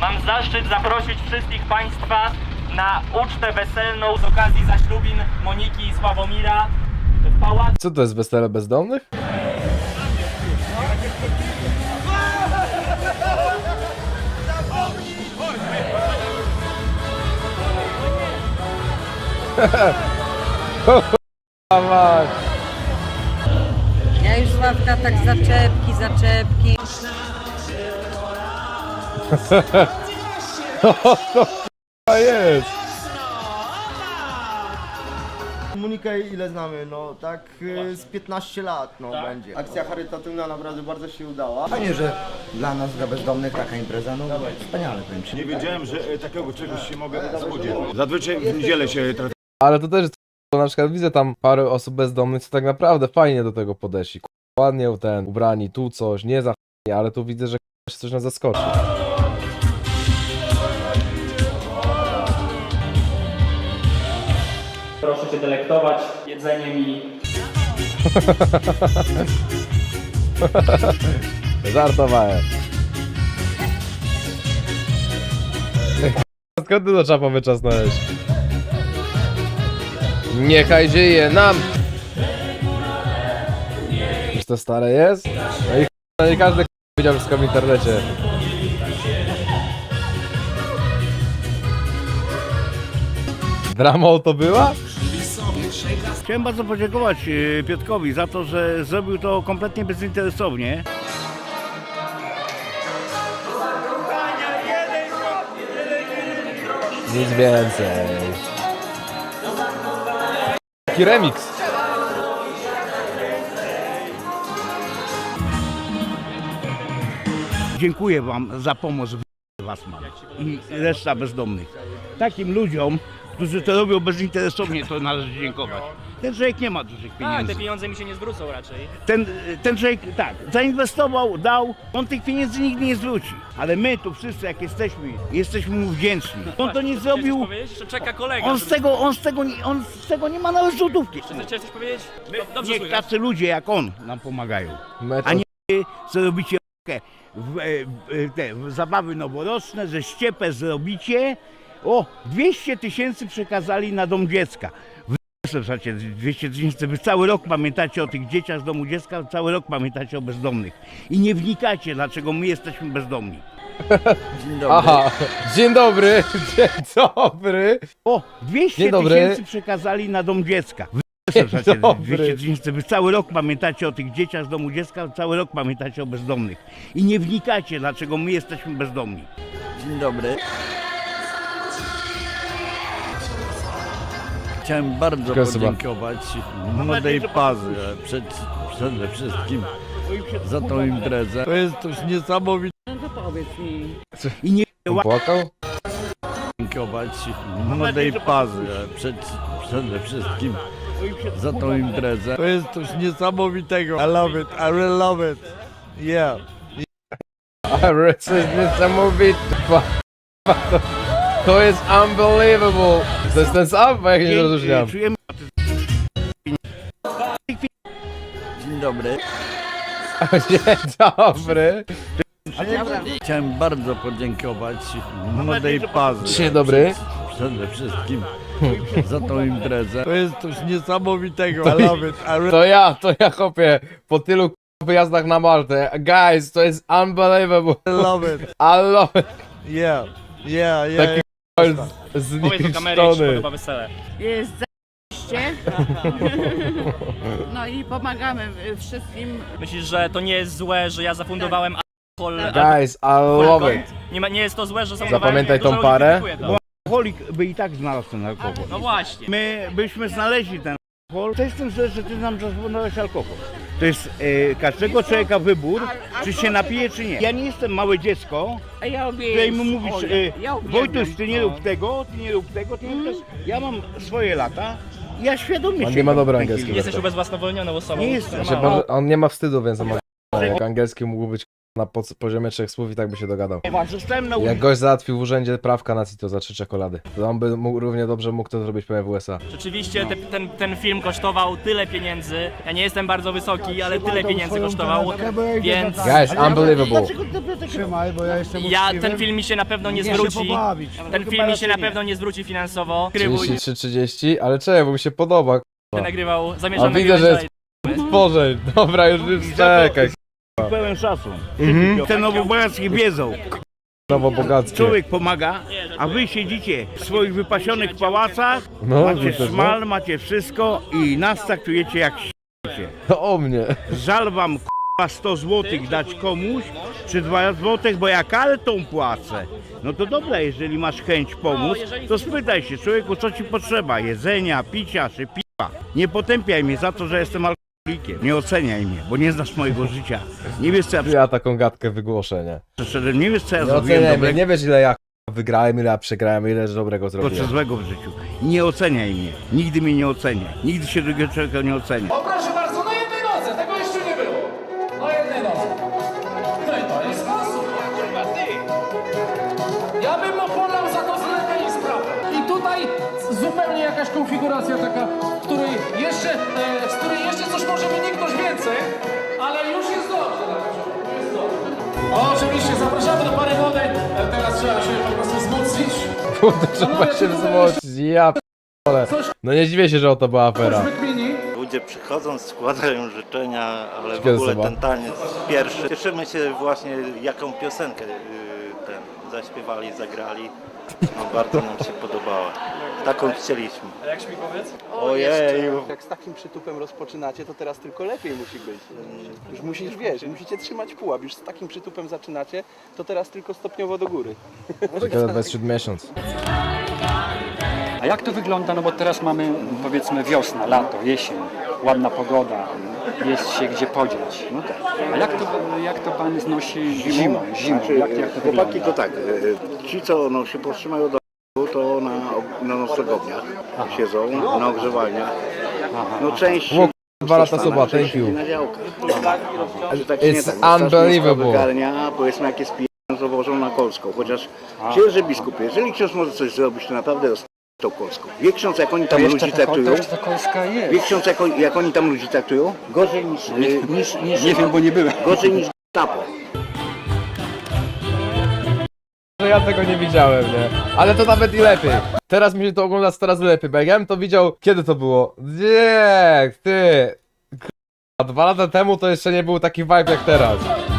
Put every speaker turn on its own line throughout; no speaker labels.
Mam zaszczyt zaprosić wszystkich Państwa na ucztę weselną z okazji zaślubin Moniki i Sławomira w pałacu.
Co to jest wesele bezdomnych?
Ja już Sławka tak zaczepki.
A jest!
Monikę ile znamy? No tak z 15 lat no będzie. Akcja charytatywna naprawdę bardzo się udała.
Fajnie, że dla nas, dla bezdomnych taka impreza, no wspaniale powiem ci.
Nie wiedziałem, że takiego czegoś się mogę spodziewać. Zazwyczaj w niedzielę się
Ale to też jest, bo na przykład widzę tam parę osób bezdomnych, co tak naprawdę fajnie do tego podeszli. Ładnie ubrani, tu coś, nie za ale tu widzę, że się coś nas zaskoczy.
Proszę się delektować jedzeniem i...
Żartowałem. Skąd ty do czapa wyczasnąłeś? Niechaj żyje nam! Już to stare jest? No i no nie każdy widział wszystko w internecie. Dramą to była?
Chciałem bardzo podziękować Piotrkowi za to, że zrobił to kompletnie bezinteresownie.
Nic więcej. Taki remix.
Dziękuję wam za pomoc w Wasman i reszta bezdomnych. Takim ludziom, którzy to robią bezinteresownie, to należy dziękować. Ten człowiek nie ma dużych
A,
pieniędzy.
te pieniądze mi się nie zwrócą raczej.
Ten człowiek tak, zainwestował, dał, on tych pieniędzy nigdy nie zwróci. Ale my tu wszyscy jak jesteśmy mu wdzięczni. On to nie zrobił,
Powiedzieć, że czeka kolega.
on z tego nie ma nawet złotówki.
Chcesz coś powiedzieć? Dobrze
Niech
słychać.
tacy ludzie jak on nam pomagają.
Mecz
A nie co robicie w zabawy noworoczne, że ściepę zrobicie. O, 200 000 przekazali na dom dziecka. Słuchajcie, 200 000, wy cały rok pamiętacie o tych dzieciach z domu dziecka, cały rok pamiętacie o bezdomnych. I nie wnikacie, dlaczego my jesteśmy bezdomni.
Dzień dobry.
Aha, dzień dobry, dzień dobry.
O, 200
Dzień dobry.
000 przekazali na dom dziecka. Słuchajcie,
dobry.
200 000, wy cały rok pamiętacie o tych dzieciach z domu dziecka, cały rok pamiętacie o bezdomnych. I nie wnikacie, dlaczego my jesteśmy bezdomni.
Dzień dobry. Chciałem bardzo
Proszę
podziękować młodej parze przede wszystkim za tą imprezę. To jest coś niesamowitego.
I nie
Płakał?
Podziękować młodej parze przede wszystkim za tą imprezę. To jest coś niesamowitego. I love it. I really love it. Yeah.
Ale to jest niesamowite. To jest unbelievable. To jest ten sam, bo ja nie rozróżniam.
czujemy
Dzień dobry.
Dzień dobry.
Chciałem bardzo podziękować młodej parze.
Dzień dobry.
Przede wszystkim za tą imprezę. To jest coś niesamowitego. I love it. I really
To ja kopię po tylu wyjazdach na Maltę. Guys, to jest unbelievable.
love it.
I love it.
Yeah. Yeah,
Taki
Powiedz do kamery, jak ci się
zniszczony.
podoba wesele.
Jest zajebiście. No i pomagamy wszystkim.
Myślisz, że to nie jest złe, że ja zafundowałem alkohol?
Guys, I love it.
Nie jest to złe, że zafundowałem...
Zapamiętaj
dużo
tą
ludzi
parę.
krytykuje to.
alkoholik by i tak znalazł ten alkohol.
No właśnie.
My byśmy znaleźli ten alkohol. To jest tym, że ty nam zaproponowałeś alkohol. To jest każdego człowieka wybór, czy się napije, czy nie. Ja nie jestem małe dziecko,
A ja
której mu mówisz,
ja
Wojtuś, ty nie rób tego, ty nie rób tego, ty nie rób tego. Ja mam swoje lata i ja świadomie
On
się
nie ma dobra
w tej chwili.
angielskiego.
Jesteś ubezwłasnowolnioną osobą.
Nie jestem.
Znaczy, on nie ma wstydu, więc on ma... Jak angielski mógł być na poziomie 3 słów i tak by się dogadał.
Zostałem na
Jak gość załatwił w urzędzie prawka na CITO za 3 czekolady, to on by mógł, równie dobrze mógł to zrobić pewnie w USA.
Rzeczywiście ten film kosztował tyle pieniędzy. Ja nie jestem bardzo wysoki, ale tyle pieniędzy kosztował, więc
Guys, unbelievable.
Trzymaj, bo ja jestem
ten film mi się na pewno nie zwróci. Ten film mi się na pewno nie zwróci finansowo.
33-30, ale czekaj, bo mi się podoba.
Nagrywał,
A
zamierzam
widzę,
nagrywać
że
dalej.
jest stworzeń. Dobra, już czekaj.
pełen szacun.
Mhm.
Te nowobogackie wiedzą.
Nowobogackie.
Człowiek pomaga, a wy siedzicie w swoich wypasionych pałacach,
No,
macie
widzę,
szmal, macie wszystko i nas traktujecie jak się.
To o mnie.
Żal wam k***a 100 zł dać komuś, czy 2 zł, bo ja kartą płacę. No to dobra, jeżeli masz chęć pomóc, to spytaj się człowieku, co ci potrzeba, jedzenia, picia czy piwa. Nie potępiaj mnie za to, że jestem alkoholikiem. Nie oceniaj mnie, bo nie znasz mojego życia. Nie wiesz co ja
Ja taką gadkę wygłoszę, nie?
przeszedłem, nie wiesz co ja
Nie
zrobiłem
oceniaj mnie,
dobrego
nie wiesz ile ja wygrałem, ile ja przegrałem, ile dobrego
czy
zrobiłem.
złego w życiu. Nie oceniaj mnie, nigdy mnie nie oceniaj, nigdy się drugiego człowieka nie ocenia.
O proszę bardzo, na jednej nodze, tego jeszcze nie było. Na jednej nodze. No i to jest sposób, kurwa ty. Ja bym opolał za to zlecenie sprawę. I tutaj zupełnie jakaś konfiguracja taka, z której jeszcze coś może wyniknąć więcej, ale już jest dobrze na początku, jest dobrze. Oczywiście, zapraszamy do pary wody. Teraz trzeba się po prostu wzmocnić.
Kurde, trzeba się wzmocnić, ja p***ole. No nie dziwię się, że o to była afera.
Wykmini.
Ludzie przychodzą, składają życzenia, ale w
Kiedy
ogóle
chyba?
ten taniec pierwszy. Cieszymy się właśnie, jaką piosenkę zaśpiewali, zagrali. No, bardzo nam się podobała. Taką chcieliśmy.
A jak śmigłowiec?
Ojeju.
Jak z takim przytupem rozpoczynacie, to teraz tylko lepiej musi być. Już musisz, wiesz, musicie trzymać pułap. Już z takim przytupem zaczynacie, to teraz tylko stopniowo do góry.
Ciekawe, bez 7 miesiąc.
A jak to wygląda? No bo teraz mamy powiedzmy wiosna, lato, jesień, ładna pogoda, jest się gdzie podziać. No tak. A jak to pan znosi zimą? Jak to
Chłopaki
wygląda?
to tak, ci co no, się powstrzymają do to na noclegowniach siedzą, na ogrzewalniach. No część...
O, 2 lata
zostana,
soba,
część
thank you.
siedzi na działkach. Tak
It's
nie tak, no,
unbelievable.
wygarnia, powiedzmy jak jest pijany, to wożą na Kolską. Chociaż księże biskupie, jeżeli ksiądz może coś zrobić, to naprawdę tą Kolską. Wie ksiądz jak oni tam ludzi traktują?
Ta Kolska jest.
Wie ksiądz jak oni tam ludzi traktują? Gorzej niż
Nie wiem, bo nie byłem.
gorzej niż tapo.
Że ja tego nie widziałem, nie? Ale to nawet i lepiej. Teraz mi się to ogląda coraz lepiej, bo jak ja bym to widział, kiedy to było? Nie, ty. A 2 lata temu to jeszcze nie był taki vibe jak teraz.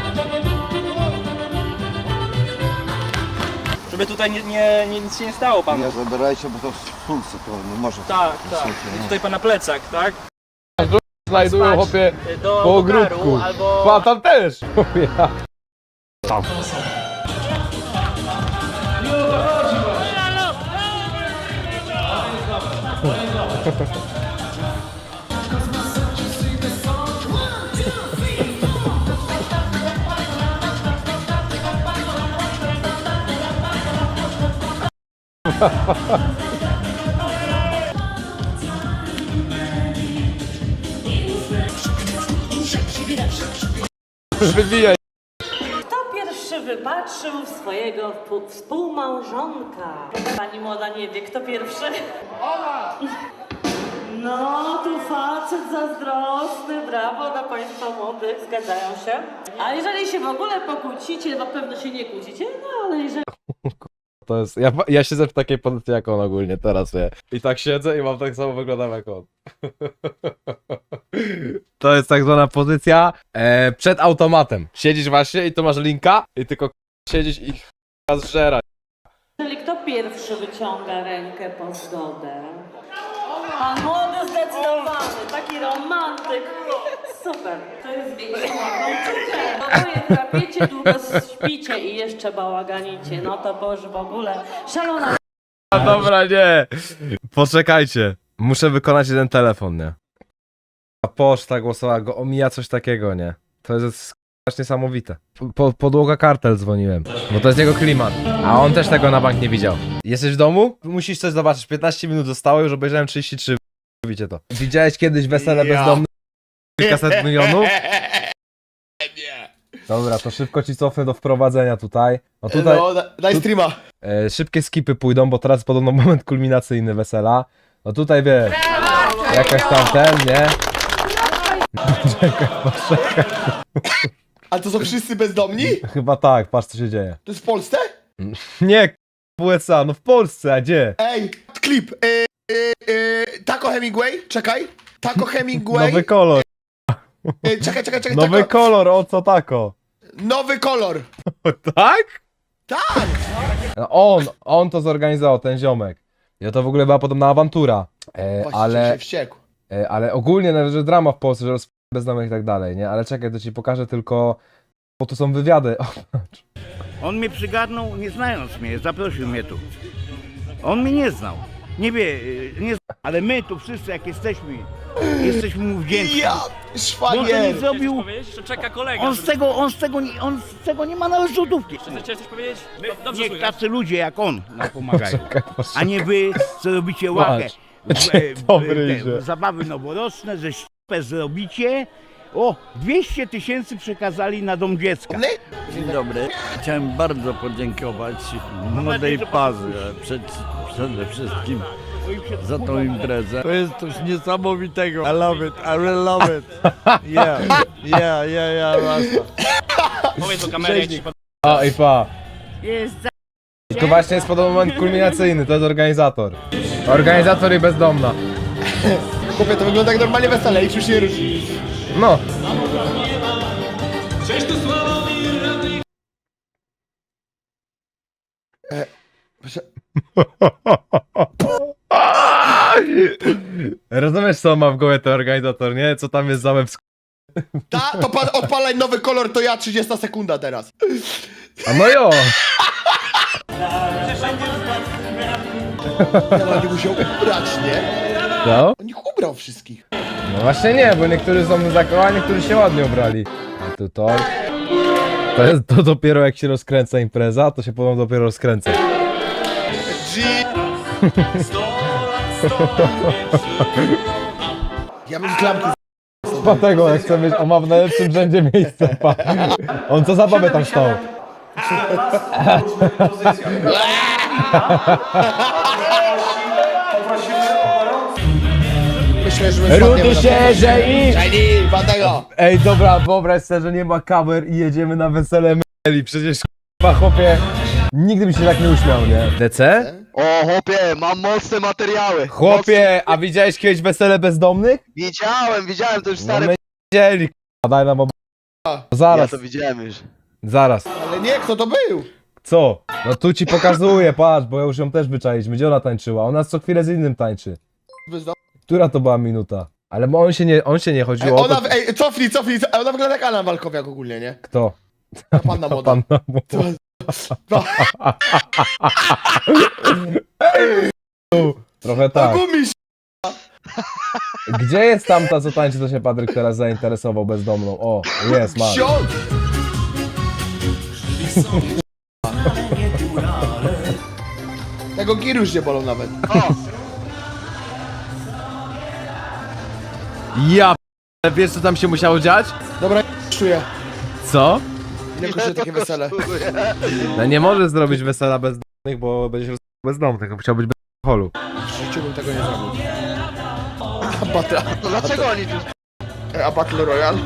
Żeby tutaj nic się nie stało panu.
Nie zabierajcie, bo to w pulsy to może.
Tak, tak. I tutaj pana plecak, tak?
Znajdują chłopie
Do
po
garu
ogródku.
albo...
A tam też. Ja. Wybijaj.
Kto pierwszy wypatrzył swojego współmałżonka? Pani młoda nie wie, kto pierwszy? Ona! No, tu facet zazdrosny, brawo dla państwa młodych, zgadzają się. A jeżeli się w ogóle pokłócicie, na pewno się nie kłócicie, no ale jeżeli...
To jest, ja siedzę w takiej pozycji jak on ogólnie teraz, wie. I tak siedzę i mam tak samo wyglądam jak on. To jest tak zwana pozycja przed automatem. Siedzisz właśnie i tu masz linka i tylko siedzisz i zżera.
Jeżeli kto pierwszy wyciąga rękę po zgodę? Pan młody zdecydowany, taki romantyk. Super, to jest oboje trapiecie, długo śpicie i jeszcze bałaganicie. No to już w ogóle szalona.
A dobra, nie. Poczekajcie. Muszę wykonać jeden telefon, nie? A poczta głosowa go omija coś takiego, nie? To jest aż niesamowite. Podłoga kartel dzwoniłem, bo to jest jego klimat. A on też tego na bank nie widział. Jesteś w domu? Musisz coś zobaczyć. 15 minut zostało, już obejrzałem 33. Widzicie to. Widziałeś kiedyś wesele bezdomnych? Kilkaset milionów?
Nie.
Dobra, to szybko ci cofnę do wprowadzenia tutaj. No tutaj
No, daj streama.
szybkie skipy pójdą, bo teraz podobno moment kulminacyjny wesela. No tutaj wiesz, jakaś tam ten, nie? Poczekaj.
A to są wszyscy bezdomni?
Chyba tak, patrz co się dzieje.
To jest w Polsce?
Nie, w USA, no w Polsce, a gdzie?
Ej, klip. Taco Hemingway, czekaj. Taco Hemingway.
Nowy kolor,
Czekaj.
nowy
Taco.
kolor, o co tako?
Nowy kolor.
Tak?
Tak.
No on to zorganizował, ten ziomek. I to w ogóle była podobna awantura.
Właściciel się wściekł.
Ale ogólnie nawet, że drama w Polsce, że bezdomnych i tak dalej, nie? Ale czekaj, to ci pokażę tylko, bo tu są wywiady. O, patrz.
On mnie przygarnął, nie znając mnie, zaprosił mnie tu. On mnie nie znał. Nie wie, nie zna, ale my tu wszyscy jak jesteśmy mu wdzięczni.
Ja,
Bo on to nie
szwagier.
zrobił,
Powiedzieć, że czeka kolega.
on z tego nie ma nawet złotówki.
Chciałeś coś powiedzieć? Dobrze
Niech
słychać.
tacy ludzie jak on nam pomagają.
Czekaj,
A nie wy, co robicie łakę.
Dobry idzie.
Zabawy noworoczne, że ściepę zrobicie. O, 200 000 przekazali na dom dziecka.
Dzień dobry. Chciałem bardzo podziękować młodej parze przede wszystkim za tą imprezę. To jest coś niesamowitego. I love it, I really love it. Yeah, basta.
Powiedz do kamery, jak ci
O i pa.
Jest za...
I to właśnie jest podobny moment kulminacyjny, to jest organizator. Organizator i bezdomna.
Chłopie, to wygląda jak normalnie wesele i już nie ruszy.
No.
Proszę.
Rozumiesz co ma w głowie ten organizator, nie? Co tam jest za łeb
To odpalaj nowy kolor, to ja 30 sekunda teraz.
A no jo!
Ja nie musiał ubrać, nie?
Co?
On ich ubrał wszystkich.
No właśnie nie, bo niektórzy są zakochani, niektórzy się ładnie ubrali. A tu to... To dopiero jak się rozkręca impreza, to się potem dopiero rozkręca.
Ja bym klamki
Dlatego jak chcę mieć, on ma w najlepszym rzędzie miejsce, pa. On co za babę tam stał?
Myślę, że my
Rudy się, że i...
Shiny, Bandego!
Ej dobra, wyobraź sobie, że nie ma kamer i jedziemy na wesele myli. Przecież k***a chłopie, nigdy bym się tak nie uśmiał, nie? DC?
O, chłopie, mam mocne materiały.
Chłopie, a widziałeś kiedyś wesele bezdomnych?
Widziałem, to już
No my widzieli, k***a, daj nam Zaraz,
widziałem już.
zaraz.
Ale nie, kto to był?
Co? No tu ci pokazuję, patrz, bo ja już ją też wyczailiśmy. Gdzie ona tańczyła? Ona co chwilę z innym tańczy. Która to była minuta? Ale on się nie chodziło o to...
Cofnij, ona wygląda jak Alan Walkowiak ogólnie, nie?
Kto?
Panna młoda.
Panna młoda. Trochę tak.
Gumisz!
Gdzie jest tamta, co tańczy, co się Patryk teraz zainteresował bezdomną? O, jest, ma.
Ksiądz! Tego giry już nie bolą nawet.
Ja p... Wiesz, co tam się musiało dziać?
Dobra, czuję.
Co?
Ile kosztuje takie wesele?
No nie możesz zrobić wesela bezdomnych, bo będziesz bezdomny, tylko musiał być bez alkoholu.
W życiu bym tego nie zrobił. Dlaczego oni tu... A Battle Royale?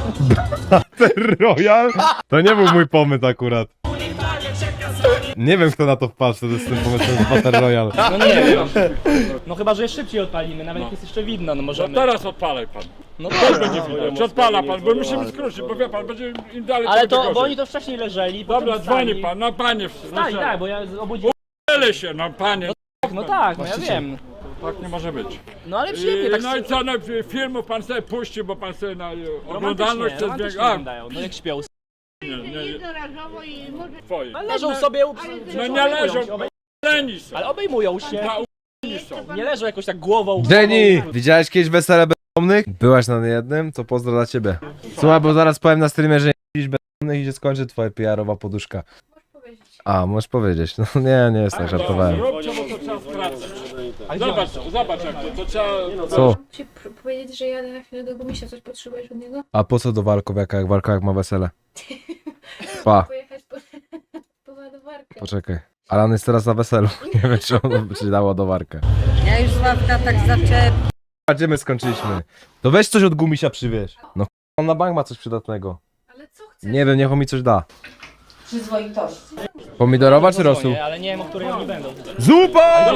Royal? To nie był mój pomysł akurat. Nie wiem, kto na to wpadł, to jest ten pomysłem z Battle Royale.
No nie wiem. No chyba, że szybciej odpalimy, nawet jak jest jeszcze widno, no możemy...
Teraz odpalaj pan.
No
Tego nie widać. Odpala pan, bo musimy skrócić, bo wie pan, będzie im dalej
Ale
tym
to,
gorzej.
bo oni to wcześniej leżeli,
Dobra,
potem
dzwoni
wstali.
pan, no panie.
Wstali, tak, bo ja obudziłem...
Tyle się, no panie.
No tak, no ja wiem.
Tak nie może być.
No ale przyjemnie, tak
No i co, no filmów pan sobie puści, bo pan sobie na oglądalność to
romantycznie
zwiększa.
wyglądają, no jak śpią.
Nie. Twoje.
No leżą sobie,
No nie leżą, leni są.
ale obejmują się.
Na u***ni są.
Nie leżą jakoś tak głową.
Jenny! Widziałeś kiedyś wesele bezdomnych? Byłaś na jednym? To pozdro dla ciebie. Słuchaj, bo zaraz powiem na streamie, że nie widzisz bezdomnych i się skończy twoja PR-owa poduszka. A, możesz powiedzieć. No nie jest tak, żartowałem.
Róbcie, bo to trzeba stracać. Zobacz jak to trzeba...
Co?
Powiedzieć, że jadę na chwilę do Gumisia, coś potrzebujesz od niego?
A po co do Walkowiaka, jak Walkowiak ma wesele? Pa.
Pojechać po ładowarkę.
Poczekaj. Alan jest teraz na weselu. Nie wiem, czy on by ci dał ładowarkę.
Ja już Sławka tak zaczepię.
A gdzie my skończyliśmy? To weź coś od gumisia przywieź. No on na bank ma coś przydatnego.
Ale co chcesz?
Nie wiem, niech on mi coś da.
Przyzwoitości.
Pomidorowa czy rosół?
Ale nie wiem, o której oni będą.
Zupa!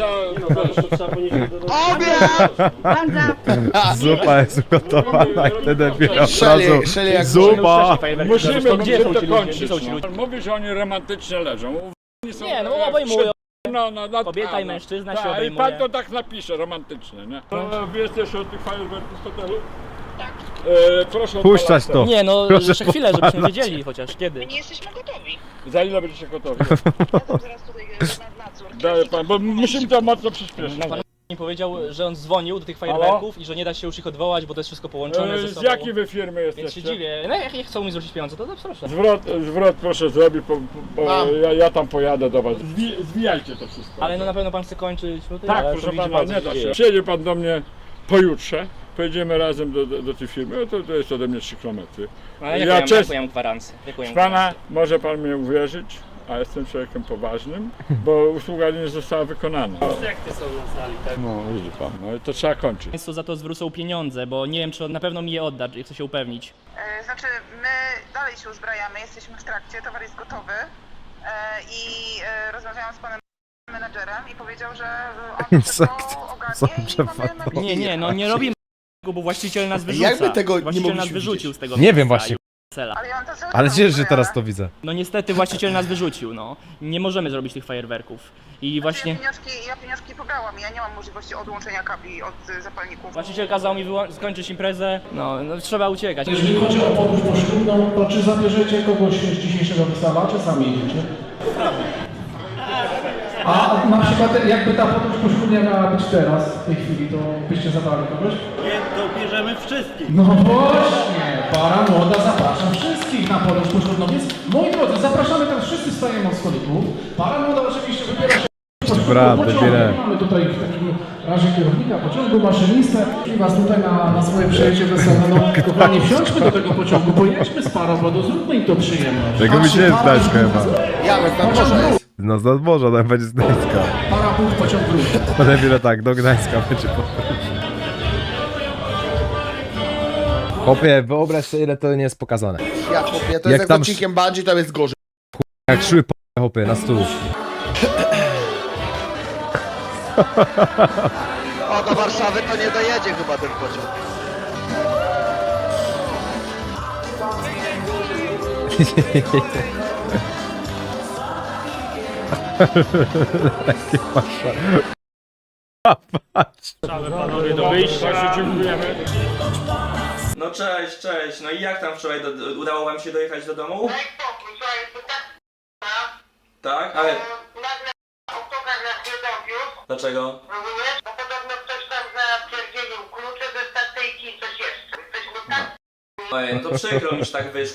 Banda.
Zupa jest ugotowana i wtedy dopiero od razu zupa!
Musimy to gdzie to kończyć.
Mówi, że oni romantycznie leżą.
Nie, no obejmują.
No,
Kobieta i mężczyzna się
I
obejmuje.
pan to tak napisze, romantycznie, nie? Wy jesteście od tych fajerwerków z hotelu? Tak. Proszę
Puszczać to!
Nie, no
Proszę
jeszcze chwilę, żebyśmy
podpalać.
wiedzieli chociaż kiedy.
Nie jesteśmy gotowi.
Za ile będziecie gotowi?
Jadę zaraz tutaj na nadzór.
Daję pan, bo musimy to mocno przyspieszyć.
Pan mi powiedział, że on dzwonił do tych fajerwerków i że nie da się już ich odwołać, bo to jest wszystko połączone ze
Z
sobą.
jakiej wy firmy
Więc się
jesteście?
dziwię. No jak chcą mi zwrócić pieniądze, to proszę.
Zwrot proszę zrobić, bo ja tam pojadę do was. Zwijajcie to wszystko.
Ale no na pewno pan chce kończyć. No to
Tak,
ja,
proszę
to widzi
pana,
pan, co
nie
się
da
dzieje.
się. Przyjedzie pan do mnie pojutrze, pojedziemy razem do tej firmy, no to jest ode mnie 3 km.
Ale
Ja
jaką
czes-
ja mam gwarancję?
Pana, może pan mnie uwierzyć, a jestem człowiekiem poważnym, bo usługa nie została wykonana.
Sekty są na sali, tak?
No widzi pan, no i to trzeba kończyć.
Państwo za to zwrócą pieniądze, bo nie wiem, czy on na pewno mi je odda, chcę się upewnić.
Znaczy, my dalej się uzbrajamy, jesteśmy w trakcie, towar jest gotowy i rozmawiałam z panem menadżerem i powiedział, że on
Sekty są przepadną.
Nie, no nie robimy bo właściciel nas wyrzuca.
Jakby tego nie
właściciel nas
mogliśmy
wyrzucił z tego
Nie wiem
miejsca
właśnie.
i cela.
Ale ja mam to cały
Ale
czas
cieszę się, że
uzbrojone.
teraz to widzę.
No niestety właściciel nas wyrzucił, no. Nie możemy zrobić tych fajerwerków. I właśnie
Ja pieniążki pobrałam, ja nie mam możliwości odłączenia kabli od zapalników.
właściciel kazał mi skończyć imprezę. No trzeba uciekać.
Jeżeli chodzi o podróż poślubną, to czy zabierzecie kogoś z dzisiejszego wesela, czy sami jedziecie? A na przykład jakby ta podróż poślubna miała być teraz, w tej chwili, to byście zabrali kogoś?
Nie, to bierzemy wszystkich.
No właśnie, para młoda, zapraszam wszystkich na podróż poślubną, więc moi drodzy, zapraszamy teraz, wszyscy stajemy od stolików. Para młoda oczywiście wybiera się
Brawo,
pociągu.
wybieraj.
Mamy tutaj w takim razie kierownika pociągu, maszynistę i was tutaj na swoje przejście weselne. No kochani, wsiądźmy do tego pociągu, pojedźmy z parą, bo zróbmy im to przyjemność.
Tego mi się nie
Para
zdać chyba.
Ja bez tam
Pociąg
może
wróć,
No z nadmorza, tam będzie z Gdańska.
para punkt, pociąg wróć.
Potem wiele tak, do Gdańska będzie podróż. Chłopie, wyobraź sobie, ile to nie jest pokazane.
Ja chłopie, to jest
Jak
jak
tam
odcinkiem Bungie, to jest gorzej.
Jak szły po chłopie, na stół.
O, do Warszawy to nie dojedzie chyba ten pociąg.
Patrz.
Panowie do wyjścia.
Dziękujemy.
No cześć. No i jak tam wczoraj udało wam się dojechać do domu?
Daj spokój, słuchaj, to tak
Tak? Ale
nagle autokar nas nie dowiózł,
dlaczego?
rozumiesz? Bo podobno ktoś tam zapierdzielił klucze ze stacyjki i coś jeszcze. Jesteśmy tak
Ojej, no to przykro mi, że tak wyszło.